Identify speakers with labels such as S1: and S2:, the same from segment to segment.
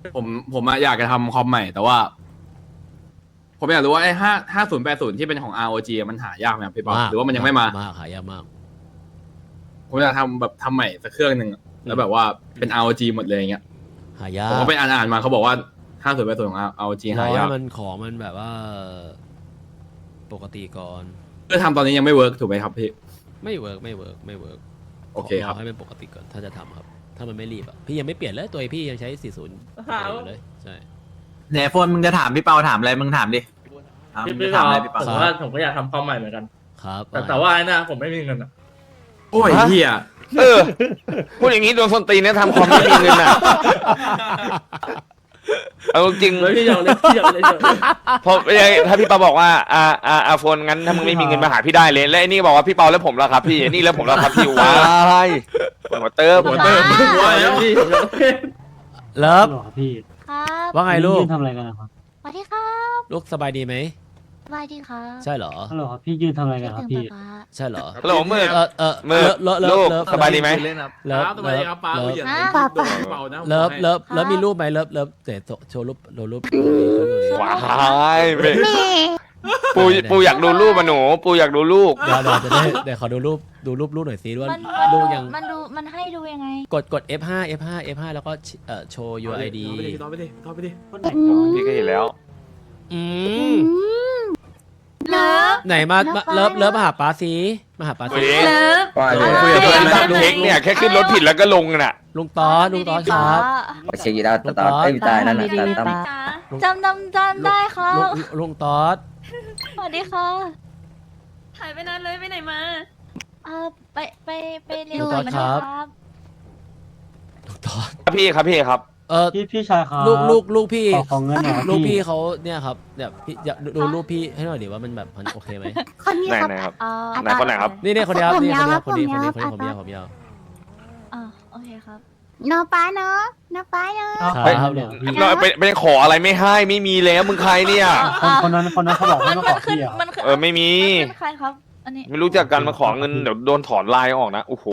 S1: ผมอะอยากจะทำคอมใหม่แต่ว่า ผมอยากรู้ว่าไอ้5080ที่เป็นของ ROG อะมันหายากไหมครับพี่ป๊อปหรือว่ามันยังไม่มา
S2: หายากมาก
S1: ผมอยากทำแบบทำใหม่สักเครื่องหนึ่งอะแล้วแบบว่าเป็น ROG หมดเลยอย่างเงี้ย
S2: หายา
S1: ผม
S2: ก
S1: ก็ไปอ่านมาเขาบอกว่า5080ของ ROG
S2: รอ
S1: หายา
S2: ให้
S1: ก
S2: มันของมันแบบว่า ปกติก่อน
S1: คือทำตอนนี้ยังไม่เวิร์กถูกไหมครับพี่
S2: ไม่เวิร์ก
S1: โอเคครับ
S2: รอให้มันปกติก่อนถ้าจะทำครับ ถ้ามันไม่รีบอ่ะพี่ยังไม่เปลี่ยนเลยตัวพี่ยังใช้ 40อยู่เลยใช่
S3: เนี่ยโฟนมึงจะถามพี่เปาถามอะไรมึงถามดิเอามึง
S4: พี่
S3: จะถามอะไรพี่
S4: ผ
S3: เปาม
S4: ว่าผมก็อยากทำคอมใหม่เหมือนกัน
S2: ครับ
S4: แต่ว่าไอ้น่ะผมไม่มีเงินอ่ะ
S1: โอ้ยเฮีย
S5: พูดอย่างนี้โดนส้นตีนเนี่ยทำคอมไม่มีเงินอ่ะเอาจริง
S4: แล้วพี่ยอมเลยพี่ยอมเลย
S5: พอถ้าพี่เปาบอกว่าโฟนงั้นถ้ามึงไม่มีเงินมาหาพี่ได้เลยและไอ้นี่บอกว่าพี่เปาแล้วผมแล้วครับพี่นี่แล้วผมแล้วครับพี่ว้ายหัวเติม
S1: หัวเติมหัวแล้ว
S4: พี่ผมยอม
S2: เลิฟ
S6: หรอพี่
S7: ครับ
S2: ว่าไงลูก
S6: ยืนทำอะไรกันนะครับ
S7: สวัสดีครับ
S2: ลูกสบายดีไหม
S7: สบายดีครับ
S2: ใช่เหรอ
S6: ฮัลโหลครับพี่ยืนทำอะไร
S7: คิ
S6: กั
S7: ด
S6: นครับ
S7: ถึง
S6: พี่
S7: ป๊า
S2: ใช่เหรอ
S5: ฮัลโหลมืด มืด
S2: เลิฟ
S5: ลูก
S2: เลิฟ
S5: สบายดีไหม
S2: เลิฟ
S1: สบายดีครับป้า
S2: เลิฟ
S1: อย่า
S7: ป๊า
S1: โดนเบานะ
S2: เลิฟมีรูปไหมเลิฟเดี๋ยวโชว์รูปรูป
S5: ว้ายไม่
S7: แม่
S5: ปูอยากดูรูปมาหนูปูอยากดูลูก
S2: เดี๋ยวขอดูรูปลูกหน่อยสิว่า
S7: มัน
S2: ลูกยัง
S7: มันดูมันให้ดูยังไง
S2: กด F5 แล้วก็โชว์ UID
S1: ต่อไปดิ
S5: พี่ก็เห็นแล้ว
S2: อืม
S7: อืมเลิฟ
S2: ไหนมาเลิฟมาหาป้าสิมาหาป้าสิ
S5: เฮ้ย
S7: เลิฟ
S5: คุยกับเพื่อนตามเทคเนี่ยแค่ขึ้นรถผิดแล้วก็ลงน่ะ
S2: ลุงตอนครับ
S8: ไปเช็คยีดาวตอนไอ้ยตายนั่นน่ะตอนตั้ม
S7: จำได้ครับ
S2: ลุงตอด
S7: สวัสดีค่ะ
S9: หายไปนานเลยไปไหนมา
S7: ไปเรียน
S2: ลุงตอด
S7: มา
S2: ครับ
S7: ครับ
S2: ลุงตอด
S5: ครับพี่ครับ
S6: พี่ชายครับ
S2: ลูกพี่
S6: ขอเงินหน่อยครับ
S2: ลูกพี่
S6: พี่
S2: เขาเนี่ยครับเนี่ยพี่อยากดูรูปพี่ให้หน่อยดิว่ามันแบบมันโอเคไหม
S7: คนนี้ครับ
S5: ไหนครับ
S7: อ๋อ
S5: ไหนคนไหนครับ
S2: นี่คนนี้ครับ
S7: ผม
S2: นี่
S7: ยาวครับ
S2: คนนี้
S7: ผมยาว
S2: ผมยาว
S7: อ๋อโอเคครับเนาะป้าเนาะป้าเนาะ
S2: ครับ
S6: เดี๋ยวพี่
S5: เราไปขออะไรไม่ให้ไม่มีแล้วมึงใครเนี่ย
S6: คนนั้นเขาบอกให้มาขอพี่อ่ะ
S7: มันคือ
S5: ไม่มี
S7: มันเป็นใครครับ อันนี้
S5: ไม่รู้จักกันมาขอเงินเดี๋ยวโดนถอนไลน์ออกนะโอ้โห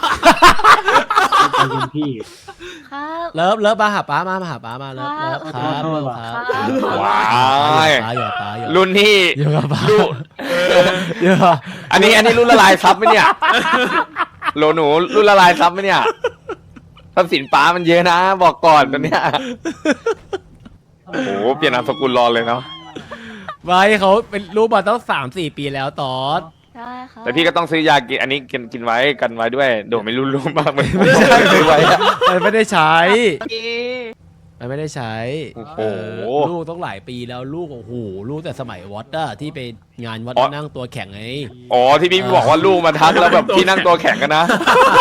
S6: ใจเย็นพี่
S7: ครับ
S2: เลิฟมาหาป้ามาหาป้ามาเลิฟครับ
S5: ว้าย
S2: อยู่ป้าอยู่
S5: รุ่นที่
S2: อยู่กับป้า
S5: รุ่น
S2: อยู่
S5: อันนี้รุ่นละลายซับไหมเนี่ยโหลหนูรุ่นละลายซับไหมเนี่ยทรัพย์สินป้ามันเยอะนะ บอกก่อนตอนเนี้ยโอ้โหเปลี่ยนนามสกุลรอเลยเนาะ
S2: ไว้เขาเป็นรูปมาตั้ง3-4 ปีแล้วตอด
S7: ใช่ครับ
S5: แต่พี่ก็ต้องซื้อยากินอันนี้กินไว้กันไว้ด้วยโดดไม่รู้มากไม่ใช่ซื้อไว้อะ
S2: มันไม่ได้ใช้ มันไม่ได้ใช้
S5: โอ้โห
S2: ลูกต้องหลายปีแล้วลูกโอ้โหลูกแต่สมัยวัดอะที่ไปงานวัดนั่งตัวแข็งไง
S5: อ๋อที่พี่บอกว่าลูกมาทักแล้วแบบพี่นั่งตัวแข็งกันนะ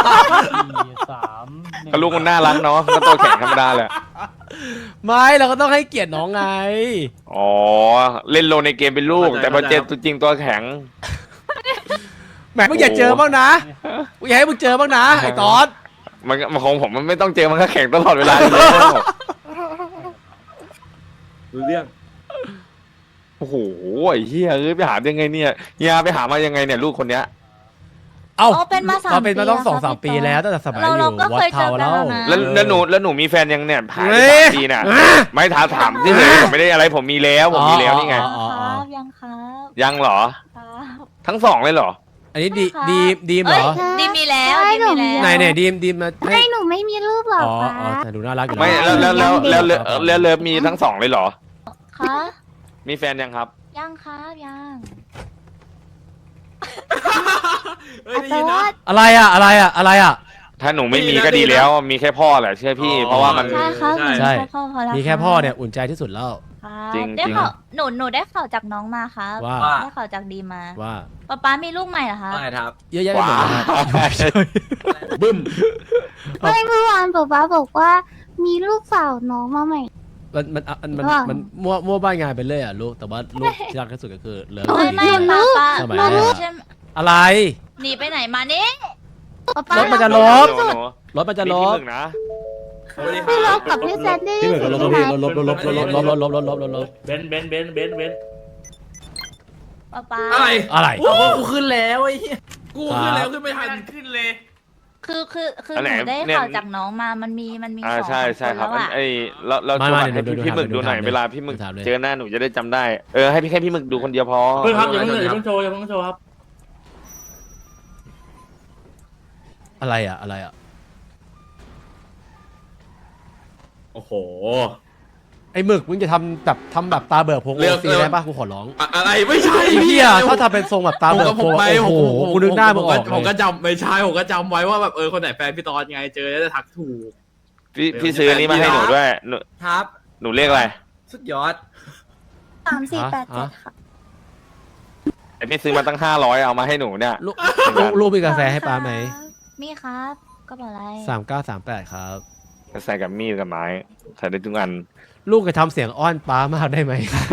S6: 4 3
S5: ก็ลูกมันน่ารักเนาะก็ตัวแข็งธรรมดาแหละ
S2: ไม่เราก็ต้องให้เกียรติน้องไง
S5: อ๋อเล่นโลในเกมเป็นลูก แต่พอเจอตัวจริงตัวแข็ง
S2: แหมมึงอย่าเจอบ้างนะกูอยากให้มึงเจอบ้างนะไอ้ตอด
S5: มันของผมมันไม่ต้องเจอมันก็แข็งตลอดเวลาเลย
S1: รู้เรื่อง
S5: โอ้โหไอ้เหี้ยไปหายังไงเนี่ยเฮียไปหามายังไงเนี่ยลูกคนเนี้ย
S2: เอ้า
S7: อ๋อเป็นมา3
S2: เราเป็นมาต้อง
S7: ปีแล้วครับ
S2: 2-3 ปีแล้วตั้งแต่สมัยอ
S7: เรา
S2: ยู่
S7: ก็
S2: วัด
S7: เคยเจ
S2: เทา
S7: อกัน
S2: แล้ว
S7: แล้วนะ
S5: แล้วหนูมีแฟนยังเนี่ยผ่านไป
S2: เฮ้ย
S5: 3 ปีน่ะไม่ถามที่ไหนผมไม่ได้อะไรผมมีแล้วผมมีแล้วนี่ไง
S2: อ๋อ
S7: ครับยังครับ
S5: ยังเหรอ
S7: ครับ
S5: ทั้งสองเลยเหรอ
S2: อันนี้ดีมเหรอ
S7: ดีมีแล้วดีมีแล้ว
S2: ไหนดีมมาให้
S7: ให้หนูไม่มีรูปหรอ
S2: อ๋อ
S7: คะ
S2: แต่ดูน่ารักอยู่
S5: ไม่
S2: นะ
S5: แล้วเลิฟมีทั้งสองเลยเหรอ
S7: คะ
S5: มีแฟนยังครับ
S7: ยังครับยัง
S1: เฮ้ยได้ยินนะ
S2: อะไรอ่ะ
S5: ถ้าหนูไม่มีก็ดีแล้ว มีแค่พ่อแหละเชื่อพี่ เพราะว่ามัน
S7: ใช่ครับ
S2: ใช่
S7: มีแค่พ่อพอแล้ว
S2: มีแค่พ่อเนี่ยอุ่นใจที่สุดแล้ว
S7: ครับ
S5: จริง
S7: ได้
S5: จริง
S7: ข่าวหนูได้ข่าวจากน้องมาครับ
S2: ว่า
S7: ได้ข่าวจากดีมา
S2: ว่า
S7: ป๊ามีลูกใหม่เหรอคะ
S3: ว่าไงครับ
S2: เยอะแยะไปหมดเลยครับ
S1: บึ้ม
S7: ไม่เมื่อวานป๊าบอกว่ามีลูกสาวน้องมาใหม่
S2: มันมั่วบ้านงานไปเลยอ่ะลูกแต่ว่าลูกที่รักที่สุดก็คือเลิฟ
S7: ไม่ป๊า
S2: สมัย
S7: มา
S2: แร
S7: ลูก
S2: กอะไร
S7: หนีไปไหนมานี่
S2: รถมันจะลบ
S5: หนู
S2: รถมันจะล
S5: มีที่
S2: บ
S5: หนึ่งนะ
S7: พี่ลบกับพี่แซนดี้
S2: พี่เหมือนกับลบพี่ลบลบ
S4: เบน
S7: ป๊า
S1: อะไร
S2: อะไร
S1: โอ้กูขึ้นแล้วไอ้เหี้ยกูขึ้นแล้วขึ้นไม่ทันขึ้นเลย
S9: คือ
S5: อัน
S9: ห
S5: ไหน
S9: นูได้
S5: เนี่ย
S9: ข่าวจากน้องมามันมีของ
S5: ใช่ใช่
S9: น
S5: ครับ
S9: แล้วอะ
S5: ไอ้เรา
S2: ไม่
S5: จะ
S2: ไม่
S5: ให้
S2: เดี๋ยว
S5: พี่หมึกดูหน่อย
S2: ถามเลย
S5: เวลาพี่หมึก
S2: ถามเลย
S5: เจอหน้าหนูจะได้จำได้ให้แค่พี่หมึกดูคนเดียวพอ
S4: เพิ่งครับอย่าเพิ่งโชว์อย่าเพิ่งโชว์ครับ
S2: อะไรอ่ะ
S1: โอ้โห
S2: ไอ้หมึกมึงจะทำแบบตาเบิกโพง
S1: เลือก
S2: ซีได้ปะกูขอร้อง
S1: อะไรไม่ใช่
S2: ไอ้เหี้ยถ้าทำเป็นทรงแบบตา
S1: ผม
S2: เบิก
S1: ก็
S2: โพ
S1: ผม
S2: ง
S1: ไป
S2: โอ้โหกูนึกหน้ามึงออก
S1: ผม
S2: เล
S1: ก็
S2: ย
S1: จำไม่ใช่ผมก็จำไว้ว่าแบบคนไหนแฟนพี่ตอนไงเจอแล้วจะทักถูก
S5: พี่ซื้ออันนี้มาให้หนูด้วยหนู
S3: ครับ
S5: หนูเรียกอะไร
S3: สุดยอด
S7: 3487ค่ะ
S5: ไอพี่ซื้อมาตั้ง500เอามาให้หนูเนี่ย
S2: ลูกมีกาแฟให้ป้าไหม
S9: มีครับก็บอกอะไร
S2: 3938ครับ
S5: ใส่กับมีดกับไม้ใส่ได้ทุกอัน
S2: ลูกจะทำเสียงอ้อนป้ามากได้ไหม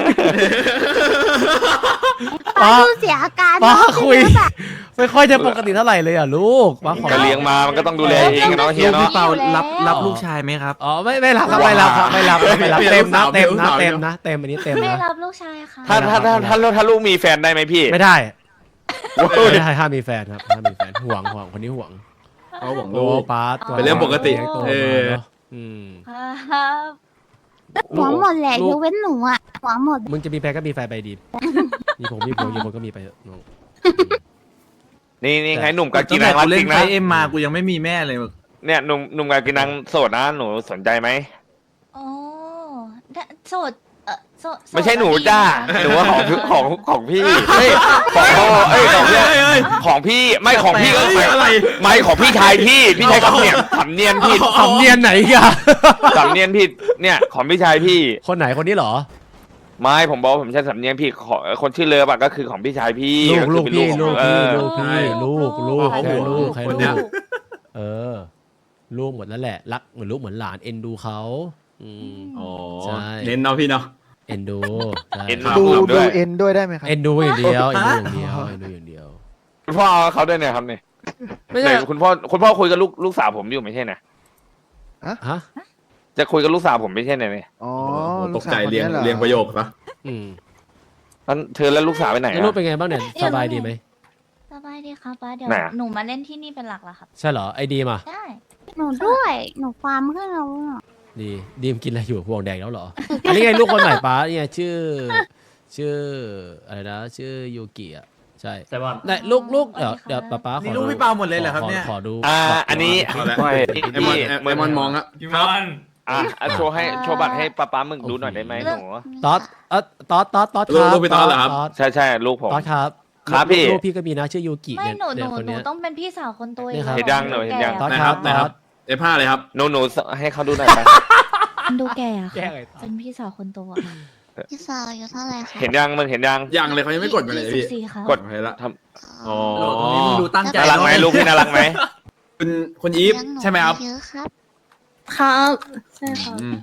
S7: ป้าดูเสียอาการ
S2: ป้า
S7: เนอะ
S2: คุย ไม่ค่อยจะปกติเท่าไหร่เลยอ่ะลูกป้าขอ
S5: ก็เลี้ยงมามันก็ต้องดูแลเองอะเนาะเฮีย
S3: พี่
S5: เนาะ
S3: เปารับลูกชายไหมครับ
S2: อ๋อไม่รับครับไม่รับเต็มนะเต็มอันนี้เต็ม
S9: ไม่
S2: นะ
S9: รับลูกชายค่ะ
S5: ถ้าลูกมีแฟนได้ไหมพี่
S2: ไม่ได้ไม่ได้ห้ามมีแฟนครับห้ามมีแฟนห่วงคนนี้ห่วง
S1: เขาหวัง
S2: โอ้
S1: ลูก
S2: ป้า
S1: เป็นเรื่องปกติ
S2: โต
S1: เอ
S2: มา
S1: อ
S2: เนาะม
S9: ครับ
S7: หัวหมดแหละยกเว้นหนูอ่ะหัวหมด
S2: มึงจะมีแฟนก็มีแฟนไปดีมีผมก็มีไปเถอะน้อง
S5: นี่ไงหนุ่มกับกี
S3: ตั้ง
S5: นั
S3: แต่
S5: งรั
S3: กู
S5: ก
S3: เล่
S5: จริ
S3: น
S5: ง
S3: ไฟ
S5: นะ
S3: เอ็มมากูยังไม่มีแม่เลยมึง
S5: เนี่ยหนุ่มกับกีนังโสดนะหนูสนใจไหม
S9: โอ้โสดโสด
S5: ไม่ใช่หนู
S9: ก็ดี
S5: จ้า
S9: ะ
S5: หนูว่าของพี่เฮ้ยของพ่อของพี่ของพี่ไม่ของพี่ก็
S1: อะไร
S5: ไม่ของพี่ชายพี่ใช้คำเนียนสำเนียนผิด
S2: สำเนียนไหนกัน
S5: สำเนียนผิดเนี่ยของพี่ชายพี่
S2: คนไหนคนนี้เหรอ
S5: ไม่ผมบอกว่าผมใช้สำเนียงผิดคนชื่อเลิฟอะก็คือของพี่ชายพี่
S2: ลูก
S5: ก็คือเป็น
S2: พี่
S5: ของ
S2: ลูก
S5: เอ
S2: พี่
S5: อ
S2: ลูกพี่ลูก
S1: เขา
S2: แค่
S1: ห่วง
S2: ลูกแค่
S1: คน
S2: ลู
S1: เนี้ย
S2: กเออลูกหมดแล้วแหละรักเหมือนลูกเหมือนหลานเอ็นดูเขาอืม
S1: อ๋อ
S2: ใช่
S1: เน้นเนาะพี่เนาะ
S2: เอ็นดูใช่
S5: เอ็น
S1: ครับ
S5: ดูด้วย
S8: เอ็นด้วยได้ไหมครับ
S2: เอ็นดูอย่างเดียวเอ็นดูอย่างเดียวเอ็นดูอย่างเดียว
S5: คุณพ่อเอาเขาด้วยเนี่ยครับเนี่ย
S2: ไม่ใช่
S5: ไหนคุณพ่อคุยกับลูกสาวผมอยู่ไม่ใช่นะ
S2: ฮะ
S5: จะคุยกับลูกสาวผมไม่ใช่เนี่ย
S8: อ๋อ
S1: ตกใจเรียงประโยคซะ
S2: อืม
S5: แล้วเธอแล้วลูกสาวไปไหน
S2: แล้ว
S5: อะ
S2: ลูกเป็นไงบ้างเนี่ยสบายดีไหม
S9: สบายดีครับป้าเดี๋ยว
S5: ไหน
S9: หนูมาเล่นที่นี่เป็นหลักละครับ
S2: ใช่เหรอไอดีมอ่ะ
S9: ได้
S7: หนูด้วยหนูฟาร์มขึ้นแล้วอะ
S2: ดีมกินอะไรอยู่พวงแดงแล้วเหรอ อันนี้ไงลูกคนใหม่ป้าเนี่ยชื่ออะไรนะชื่อยูกิอ่ะใช่
S4: ใช่ป่ะ
S2: ไหนลูกเดี๋ยวป้าขอ
S3: นี่
S2: ดู
S3: ลูกพี่เปาหมดเลยเหรอครับเนี่ย
S2: ขอดู
S5: อันนี้
S1: เอาละ
S5: ไม่
S1: ไอมอนไอมอนมองอะ
S4: พี่มอน
S5: โชว์บัตรให้ป้ามึงดูหน่อยได้ไหมหนู
S2: ต๊อดต๊อด
S1: ลูกพี่ตอนเหรอครับ
S5: ใช่ลูกผม
S2: ต๊อดครับ
S5: ครับพี่
S2: ลูกพี่ก็มีนะชื่อยูกิ
S9: ไม่
S2: เนี่ย
S9: หนู
S2: คน
S9: หนู
S2: เนี้ย
S9: ต้องเป็นพี่สาวคนโต
S2: เนี่ยครับ
S5: เห็นยังหนูเห็นยัง
S2: ต๊อด
S1: นะ
S2: ค
S1: ค
S2: รั
S1: รั
S2: บบ
S1: นะครับ F5 เลยครับ
S5: หนูให้เขาดูหน่อยไป
S9: ดูแก่อะ
S2: แก้
S9: ค่ะ
S2: ไง
S9: เป็นพี่สาวคนโตอะ
S7: พี่สาวอายู่เท่าไหร่คะ
S5: เห็นยังมึงเห็นยัง
S1: ยังเลยเขายังไม่กดมาเลยพี่
S9: 24ครับ
S5: กด
S1: โอเคละ
S5: ท
S1: อ๋อ
S3: โหลดตรงนี้มึงดูตั้งใจ
S5: น่ารักไหมลูกพี่น่ารักไหม
S1: คุณอีฟใช่ไหมครับ
S7: เยอะครับ
S9: ครับใช่ครับ
S1: อืม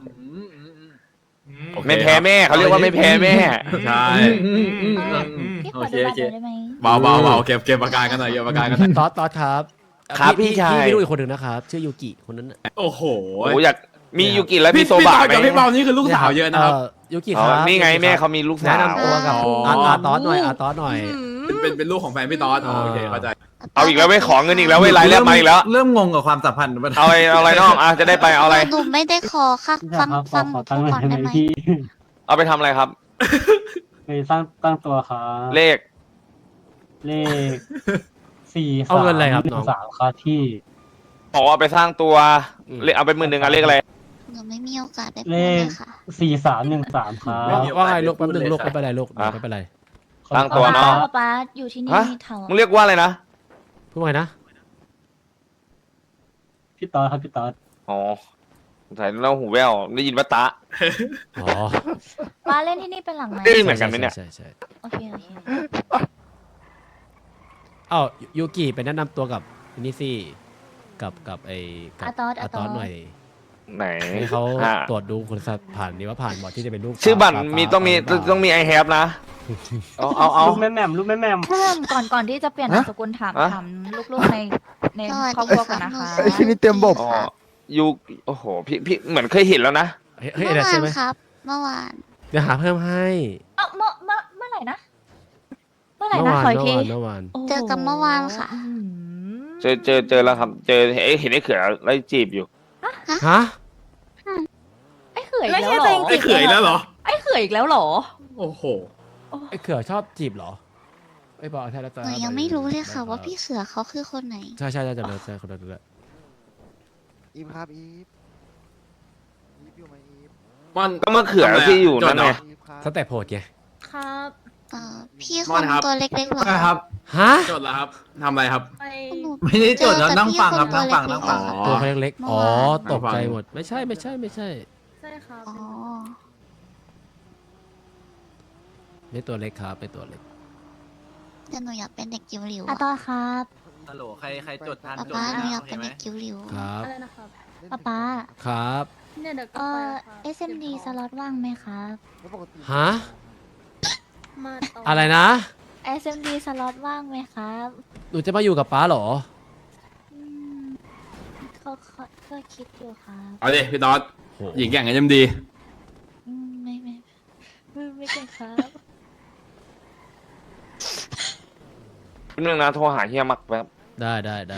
S1: โอเค
S5: ไม่แพ้แม่เขาเรียกว่าไม่แพ้แม่
S1: ใช่
S9: พี่ขอดูบัตรหน่อยได้ไหม
S1: เบาเก็บปากกากันหน่อยเก็บปากกากันหน่อย
S2: ต๊อดครับ
S5: ครับพี่ชาย
S2: มีลูกอีกคนหนึ่งนะครับชื่อยูกิคนนั้นน่ะ
S1: โอ้โห
S5: โอ้อยากมียูกิและมี
S1: พี่
S5: โซบะไหม
S1: กับพี่เบานี่คือลูกสาวเยอะนะครับ
S2: ยูกิ
S5: อ๋
S2: ค
S5: อ
S2: รับ
S5: นี่ไงแม่เขามีลูกสา
S2: แนะ
S5: ว
S2: นำตัวกับ
S1: อ๋อ
S2: อาต๊อดหน่อยอาต๊อดหน่อย
S1: เป็นลูกของแฟนพี่ตอสโอเคเข้าใจ
S5: เอาอีกแล้วไม่ขอเงินอีกแล้วเว้ยรายเรียกมาอีกแล้ว
S3: เริ่มงงกับความสัมพันธ์มัน
S5: เอาอะไรน้องจะได้ไปเอาอะไร
S7: หนูไม่ได้ขอค่ะ
S6: พี่
S7: ฟั
S6: ชาย
S7: ง
S6: ครับ
S7: ฟัง
S6: ขอ
S7: หนู
S6: ตั้งค์หน่อยได้ไหม
S7: ก่อนได้ไหม
S6: พี่
S5: เอาไปทำอะไรครับ
S6: ไปตั้งตัวครับ
S5: เลข
S6: เลข4
S2: เอาเงินอะไรครับน้อง
S6: 3ครับที่
S5: บอกว่าไปสร้างตัวเลขเอาไป10,000อะเลขอะไร
S7: หนูไม่มีโอกาสได้พู
S6: เล
S7: ดเล
S6: ข
S7: ยค่ะ
S6: 4313ครับ
S2: ว่าไงลูกแป๊บนึงลูกไม่เป็นไรลูกไม่เป็นไร
S5: ตั้งตัวเนาะ
S9: ป้าอยู่ที่นี่
S5: ฮะ
S9: แถว
S5: มึงเรียกว่าอะไรนะ
S2: พูดว่าไงนะ
S6: พี่ตอดครับพี่ตอด
S5: อ๋อใส่แล้วหูแว่วได้ยินว่าตะ
S2: อ๋อ
S9: ป้าเล่นที่นี่เป็นหลักไหม
S5: เอ้ย เหมือนกันไหมเนี่ย
S2: ใช่ใช่
S9: โอเคโอเค
S2: อ้าวยูกิไปแนะนำตัวกับนี่สิกับไอ้กับ
S9: อาตอส
S2: อาต๊อดหน่อย
S5: ไหน
S2: ให้เขา
S5: อ่ะ
S2: ตรวจดูคุณสมบัติผ่านนี้ว่าผ่านบอดที่จะเป็นลูก
S5: ชื่อบัตร
S2: ป้า
S5: มี
S2: ป้า
S5: ต้องมีไอแฮปนะเอา
S6: ลูกแม่แหม่มลูกแม่แหม่ม
S9: ก่อนที่จะเปลี่ยนนามสกุลถาม
S5: ฮะ
S9: ถามลูกๆใน
S7: สวัส
S9: ครอบ
S7: ดี
S9: ครัวก่อน
S7: ค่ะ
S9: นะคะ
S7: หนู
S8: ที่นี่เต็มบบ
S5: อ๋อยูโอ้โหพี่เหมือนเคยเห็นแล้วนะ
S2: เฮ้ย
S7: เมื่อ
S2: เดี๋ยว
S7: วา
S2: ใช่
S7: น
S2: ไหม
S7: ครับ เมื่อวาน
S2: เดี๋ยวหาเพิ่มให้
S9: เมื่อไหร่นะเมื่อไหร่นะขออีกที
S2: เมื่อวาน
S9: โโห
S7: เจอกันเมื่อวานค่ะ
S9: อื้อหือ
S5: เจอแล้วครับ เจอเห็นไอ้เขือไล่จีบอยู่
S2: ฮะ
S9: ไอ้เขื่อย
S10: ไม่
S9: แล้ว
S10: ใช่
S9: เหร
S10: ตัว
S9: อ
S10: เอง
S1: ไอ้เขยแล้วเหรอ
S10: ไอ้เขื่อยอีกแล้วเหรอ
S1: โอ้โห
S2: ไอ้เขือชอบจีบเหรอไอ้บอกใช่แล้ว
S7: หนูยังไม่รู้เลยค่ะว่าพี่เสือเขาคือคนไหน
S2: ใช่ใช่จำเลยใช่คนนั้นเลย
S11: อีฟครับอีฟอีฟอยู่ไหมอีฟ
S1: มัน
S5: ก็มะเขือที่อยู่นั่นไง
S11: อีฟครับ
S2: สเต็ปโหดไง
S10: ครับ
S7: พี่ค
S1: ม่อน
S7: น
S1: ครับ
S7: ตัวเล็กๆเหรอ
S3: ครับ
S2: ฮะ
S1: จดแล้วครับทำอะไรครับ
S10: ไป
S7: หนู
S3: ไม่ได้จดแล้วนั่งฟังครับ
S7: เจอ
S3: นั่งฟัง
S7: แต่
S3: นั่ง
S7: พี่
S3: ฟัง
S7: คน
S1: อ๋อ
S2: ตัวเขาเล็กๆอ๋อ
S7: เมื่อวาน
S2: ตกใจหมดไม่ใช่ไม่ใช่ไม่ใช่
S10: ใช่ครับ
S7: อ๋อ
S2: ไม่ตัวเล็กครับไม่ตัวเล็ก
S7: แต่หนูอยากเป็นเด็กจิ๋วหลิว
S9: อะตอนครับ
S3: ฮัลโหลใครจดทัน
S7: ป๊า
S3: จด
S7: ป๊าหนู
S3: นะ
S7: อยาก
S3: โอเค
S7: เป็น
S3: ไหม
S7: เด็กจิ๋วหลิว
S2: ครับ
S10: อะไรนะครับ
S9: ป๊า
S2: ครับ
S10: เนี่ยเดี๋ยวก็ไปแล้วครับ
S9: SMD สล็อตว่างไหมครับ
S11: แล้วปกติ
S2: ฮะ
S10: มาต่อ
S2: อะไรนะ
S9: SMD สล็อตว่างไหมครับ
S2: หนูจะมาอยู่กับป้าเหรอ
S9: อืมก็คิดอยู่ครับ
S1: เอาดิพี่ต๊อด
S2: โห
S1: หญิงแก่งกันยังดี
S9: อืมไม่เก่งครับ
S5: นึงนะโทรหาเฮียมักแป๊บ
S2: ได้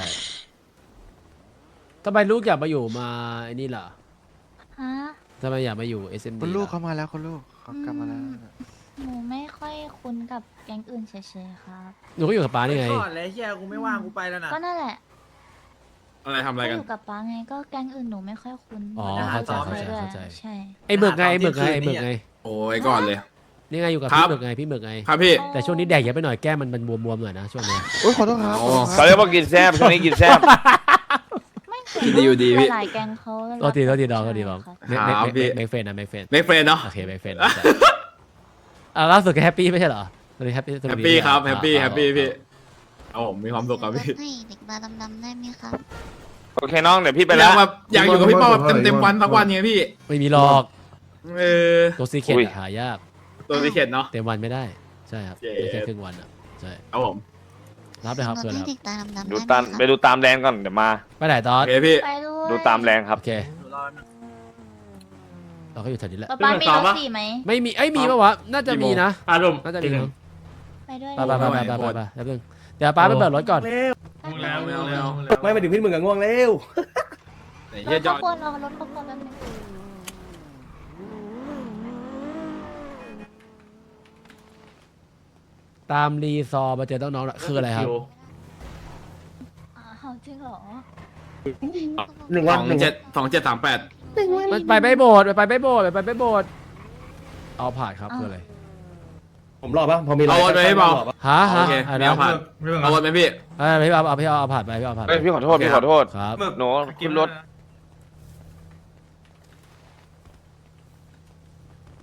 S2: ทำไมลูกอยากมาอยู่มาไอ้นี่ล่ะ
S9: ฮะ
S2: ทำไมอยากมาอยู่ SMD
S11: คุณลูก
S2: ล่ะ
S11: เขามาแล้วคุณลูกเขากลับมาแล้ว
S9: หนูไม่ค่อยคุ้นกับแก๊งอื่นเฉยๆครับ
S2: หนูก็อยู่กับป้านี่ไง
S3: ก่อนเลยเฮียกูไม่ว่างกูไปแล้วนะ
S9: ก็นั่นแหละ
S1: อะไรทำอะไร
S9: ก็
S1: กั
S9: อน ยู่กับป้าไงก็แก๊งอื่นหนูไม่ค่อยคุ้น
S2: อ๋อ
S9: หนู
S2: เข้าใจ
S9: ไปด้วย
S2: เข้าใจ
S9: ใช่
S2: ไอ้เบิกไงไอ้เบิกไงไอ้เบิกไง
S1: โอ้ยก่อนเลย
S2: นี่ไงอยู่กับ
S1: ครั
S2: พี่
S1: บ
S2: เบิกไงพี่เบิกไง
S1: ครับพี่
S2: แต่ช่วงนี้แดกเยอะไปหน่อยแก้มมันบวมๆหน่อยนะช่วงเนี้ย
S11: โอ้ยขอโทษครับ
S1: อ๋อ
S5: เขาเรียกว่ากินแซ่บช่วงนี้กินแซ่บ
S9: ไม่เค
S1: ดีอยู่ดีพี่
S9: หลายๆแก๊งเขา
S2: โทษทีน้องโทษทีน้อง
S9: ครับ
S1: ครับพี่
S2: เมกเฟนนะเมกเฟน
S1: ไม่เฟรนเนาะ
S2: โอเคเมกเฟนล่าสุดก็แฮปปี้ไม่ใช่เหรอตอนนี้แฮปปี้
S1: แฮปปี้ครับแฮปปี้แฮปปี้พี่เอาผมมีความสุขครับพี่
S7: ให้เด็กมาดำๆได้ไหมครับ
S5: โอเคน้องเดี๋ยวพี่ไป
S1: อ
S5: แล้
S1: ยาว กแบบอยากอยู่กับพี่เป้าแบบเต็มๆวันสักวันไงพี่
S2: ไม่มีหรอก
S1: เออ
S2: ตัวซีเคทหายาก
S1: ตัวที่เข็ดเนาะ
S2: เต็มวันไม่ได้ใช่ครับ
S1: เย้
S2: ได้แค่ครึ่งวันอ่ะใช่
S1: เอาผม
S2: รับเลยครับ
S7: ห
S2: เพื่อน
S7: นู
S2: แล้ว
S7: ให้เด็กตาดำๆ
S5: ดู
S7: ได้ไหม
S5: ตาม
S7: ครับ
S5: ไปดูตามแดนก่อนเดี๋ยวมา
S2: ไปไหนตอ
S1: โอน เคพี่
S9: ไปด้วย
S5: ดูตามแรงครับ
S2: โอเคเราก็อยู่แถวนี้แหละ
S9: ป๊าป๊ามีรถสี่ไหม
S2: ไม่มีมีปะวะน่าจะมีนะ
S4: อารมณ์
S2: น่าจะมีมั้ง
S9: ไปด้วย
S2: ไปแป๊บนึงเดี๋ยวป้าไปเปิดรถก่อน
S1: แล้วไม่เอาแล้ว
S8: ไม่มาถึงพี่มึงกับง่วงเร็ว
S1: ไอ้
S9: ร
S1: เฮีย
S9: ถ
S1: จ
S9: ข
S1: อด
S9: บวนรอรถขบวนแป๊บนึง
S2: ตามรีซอร์มาเจอน้องๆคืออะไรครับ
S9: อ้าวจริงเหรอ
S1: 273738
S2: มันไปไม่โบดไปไม่โบดเอาผ่านครับคืออะไร
S8: ผมรอดปะพอมี
S1: เอารถไปให้เปล่า
S2: ฮะ
S1: โอเค
S2: อะไร
S1: ไม่
S2: นะ
S1: เอาผ่านเอารถไหมพี่
S2: พี่เอาผ่านไปพี่เอาผ่าน
S5: เฮ้ยพี่ขอโทษพี่ขอโทษ
S2: ครับ
S5: หนูขึ้นรถ